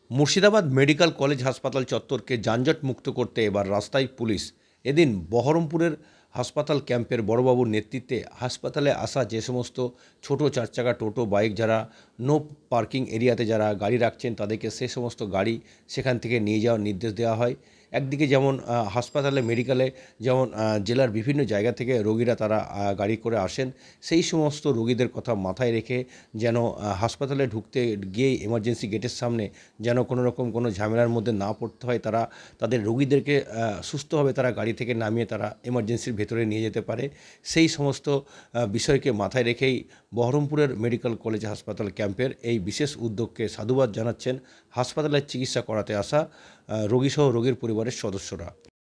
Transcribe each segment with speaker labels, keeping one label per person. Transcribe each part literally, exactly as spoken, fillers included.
Speaker 1: Murshidabad medical college হাসপাতাল চত্বরকে যানজট মুক্ত করতে এবার রাস্তায় পুলিশ। এদিন বহরমপুরের হাসপাতাল ক্যাম্পের বড়বাবুর নেতৃত্বে হাসপাতালে আসা যে সমস্ত ছোট চার চাকা টোটো বাইক যারা নো পার্কিং এরিয়াতে যারা গাড়ি রাখছেন তাদেরকে সে সমস্ত গাড়ি সেখান থেকে নিয়ে যাওয়ার নির্দেশ দেওয়া হয়। একদিকে যেমন হাসপাতালে মেডিকেলে যেমন জেলার বিভিন্ন জায়গা থেকে রোগীরা তারা গাড়ি করে আসেন, সেই সমস্ত রোগীদের কথা মাথায় রেখে যেন হাসপাতালে ঢুকতে গিয়ে এমার্জেন্সি গেটের সামনে যেন কোনো রকম কোনো ঝামেলার মধ্যে না পড়তে হয়, তারা তাদের রোগীদেরকে সুস্থভাবে তারা গাড়ি থেকে নামিয়ে তারা এমার্জেন্সির ভেতরে নিয়ে যেতে পারে, সেই সমস্ত বিষয়কে মাথায় রেখেই বহরমপুরের মেডিকেল কলেজ হাসপাতাল ক্যাম্পের এই বিশেষ উদ্যোগকে সাধুবাদ জানাচ্ছেন হাসপাতালের চিকিৎসা করাতে আসা রোগীসহ রোগীর পরিবারের সদস্যরা।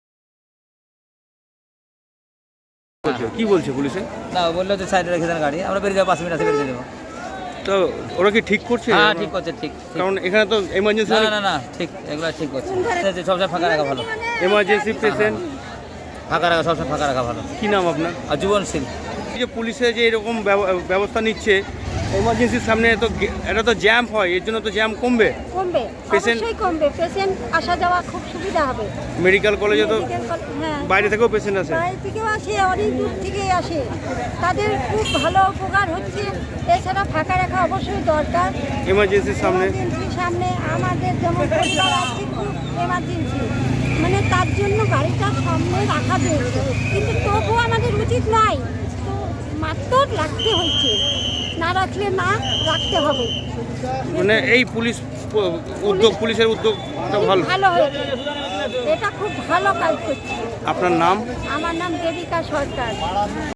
Speaker 2: কি বলছে পুলিশে?
Speaker 3: না, বললো যে সাইডে রেখে দেন গাড়ি, আমরা বেরিয়ে যাবো, পাঁচ মিনিট আছে বেরিয়ে যাবো।
Speaker 2: তো ওরা কি ঠিক করছে?
Speaker 3: হ্যাঁ, ঠিক করছে, ঠিক।
Speaker 2: কারণ এখানে তো এমার্জেন্সি
Speaker 3: না না না ঠিক, এগুলো ঠিক করছে। সবসময় ফাঁকা রাখা ভালো,
Speaker 2: এমার্জেন্সি পেশেন্ট
Speaker 3: ফাঁকা রাখা, সবসময় ফাঁকা রাখা ভালো।
Speaker 2: কি নাম আপনার?
Speaker 3: আর জীবন সিং।
Speaker 2: এই যে পুলিশে যে এরকম ব্যবস্থা নিচ্ছে এমার্জেন্সির সামনে, তো এটা তো জ্যাম হয়, এর জন্য তো জ্যাম কমবে
Speaker 4: কমবে
Speaker 2: পেশেন্ট
Speaker 4: অবশ্যই কমবে, পেশেন্ট আসা যাওয়া খুব সুবিধা হবে।
Speaker 2: মেডিকেল কলেজে তো
Speaker 4: মেডিকেল কলেজ, হ্যাঁ,
Speaker 2: বাইরে থেকেও পেশেন্ট আসে,
Speaker 4: বাইরে থেকেও আসে, অনেক দূর থেকে আসে, তাদের খুব ভালো উপকার হচ্ছে। এছাড়া ফাঁকা রাখা অবশ্যই দরকার
Speaker 2: এমার্জেন্সির সামনে।
Speaker 4: এমার্জেন্সির সামনে আমাদের যেমন পরিবার আছে খুব এমার্জেন্সি, মানে তার জন্য গাড়িটা সামনে রাখা হয়েছে, কিন্তু তবুও আমাদের উচিত নয়, তো মাত্র রাখতে হচ্ছে, না রাখলে না রাখতে হবে।
Speaker 2: মানে এই পুলিশ উদ্যোগ, পুলিশের উদ্যোগ ভালো
Speaker 4: ভালো হয়েছে, এটা খুব ভালো কাজ করছে।
Speaker 2: আপনার নাম?
Speaker 4: আমার নাম দেবিকা সরকার।